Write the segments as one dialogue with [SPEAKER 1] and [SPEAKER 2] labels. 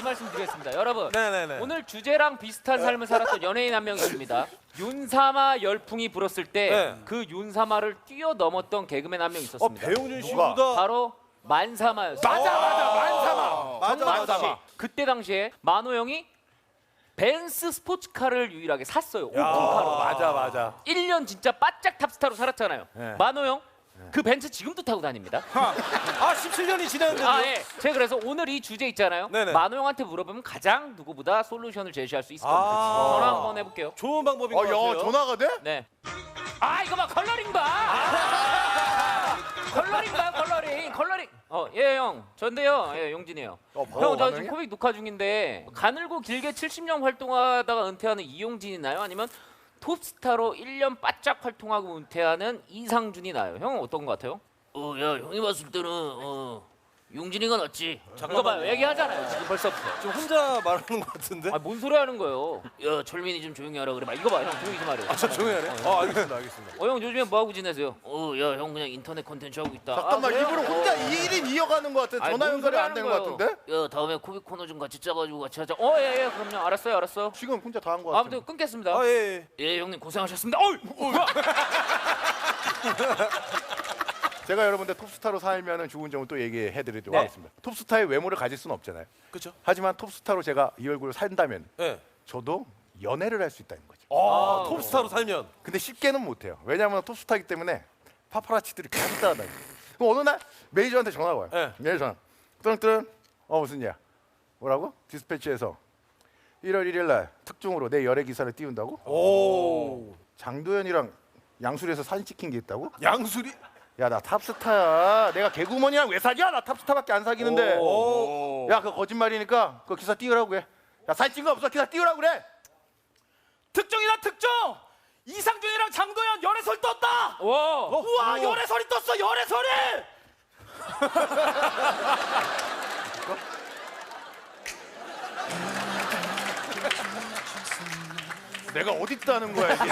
[SPEAKER 1] 말씀드리겠습니다. 여러분,
[SPEAKER 2] 네네네.
[SPEAKER 1] 오늘 주제랑 비슷한 삶을 살았던 연예인 한 명 있습니다. 윤사마 열풍이 불었을 때 그 윤사마를 뛰어넘었던 개그맨 한 명 있었습니다.
[SPEAKER 2] 배용준 씨보다
[SPEAKER 1] 바로 만사마였어요.
[SPEAKER 2] 만사마.
[SPEAKER 1] 만사마. 그때 당시에 만호 형이 벤츠 스포츠카를 유일하게 샀어요. 오픈카로.
[SPEAKER 2] 맞아.
[SPEAKER 1] 1년 진짜 바짝 탑스타로 살았잖아요. 만호 형. 그 벤츠 지금도 타고 다닙니다.
[SPEAKER 2] 17년이 지났는데도.
[SPEAKER 1] 예. 제가 그래서 오늘 이 주제 있잖아요.
[SPEAKER 2] 네네.
[SPEAKER 1] 만호 형한테 물어보면 가장 누구보다 솔루션을 제시할 수 있을 겁니다. 전화 한번 해볼게요.
[SPEAKER 2] 좋은 방법인 것 같아요.
[SPEAKER 3] 전화가 돼?
[SPEAKER 1] 네. 이거 봐, 컬러링 봐. 컬러링 봐, 컬러링. 예, 형. 전데요. 예, 용진이에요. 형, 저 지금 코빅 녹화 중인데 가늘고 길게 70년 활동하다가 은퇴하는 이용진이 나요? 아니면 톱스타로 1년 바짝 활동하고 은퇴하는 이상준이 나요? 형은 어떤 것 같아요? 야, 형이 봤을 때는 용진이가 낫지. 이거 봐요, 얘기하잖아요. 지금 벌써부터.
[SPEAKER 2] 지금 혼자 말하는 것 같은데?
[SPEAKER 1] 뭔 소리 하는 거예요? 야, 철민이 좀 조용히 하라 그래. 막 이거 봐, 형 조용히 좀 하래요.
[SPEAKER 2] 저 조용히 하네. 알겠습니다.
[SPEAKER 1] 형 요즘에 뭐 하고 지내세요? 야, 형 그냥 인터넷 콘텐츠 하고 있다.
[SPEAKER 3] 잠깐만
[SPEAKER 1] 그래요?
[SPEAKER 3] 일부러 혼자 1인 이어가는 것 같아. 전화 연결이 안 되는 것 같은데?
[SPEAKER 1] 야, 다음에 코빅 코너 좀 같이 짜가지고 같이 하자. 예, 그럼요. 알았어요.
[SPEAKER 3] 지금 혼자 다 한 것 같아.
[SPEAKER 1] 아무튼 끊겠습니다.
[SPEAKER 2] 예.
[SPEAKER 1] 예, 형님 고생하셨습니다. 뭐야?
[SPEAKER 3] 제가 여러분들 톱스타로 살면 좋은 점을 또 얘기해드리도록 하겠습니다. 톱스타의 외모를 가질 수는 없잖아요.
[SPEAKER 2] 그렇죠.
[SPEAKER 3] 하지만 톱스타로 제가 이 얼굴을 산다면
[SPEAKER 2] 예.
[SPEAKER 3] 저도 연애를 할 수 있다는 거죠.
[SPEAKER 2] 톱스타로 살면.
[SPEAKER 3] 근데 쉽게는 못해요. 왜냐하면 톱스타이기 때문에 파파라치들이 계속 따라다녀요. 그럼 어느 날 매니저한테 전화가 와요.
[SPEAKER 2] 네.
[SPEAKER 3] 매니저 전화. 무슨 일이야? 뭐라고? 디스패치에서 1월 1일 날 특종으로 내 열애 기사를 띄운다고?
[SPEAKER 2] 오.
[SPEAKER 3] 장도연이랑 양수리에서 사진 찍힌 게 있다고?
[SPEAKER 2] 양수리.
[SPEAKER 3] 야, 나 탑스타야. 내가 개구먼이랑 왜 사귀야? 나 탑스타밖에 안 사귀는데. 야, 그거 거짓말이니까 그 기사 띄우라고 해. 야, 사진 찍은 거 없어. 기사 띄우라고 그래.
[SPEAKER 4] 특종이다 특종! 이상준이랑 장도연 열애설 떴다! 우와 열애설이 떴어 열애설이!
[SPEAKER 3] 내가 어디 있다는 거야 이게?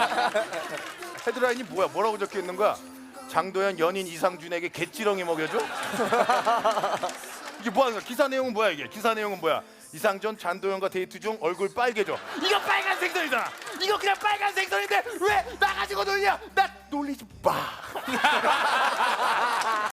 [SPEAKER 3] 헤드라인이 뭐야? 뭐라고 적혀 있는 거야? 장도연 연인 이상준에게 개찌렁이 먹여줘? 이게 뭐야? 기사 내용은 뭐야 이게? 기사 내용은 뭐야? 이상준 장도연과 데이트 중 얼굴 빨개져.
[SPEAKER 4] 이거 빨간 생선이잖아! 이거 그냥 빨간 생선인데 왜 나 가지고 놀냐! 나
[SPEAKER 3] 놀리지 마.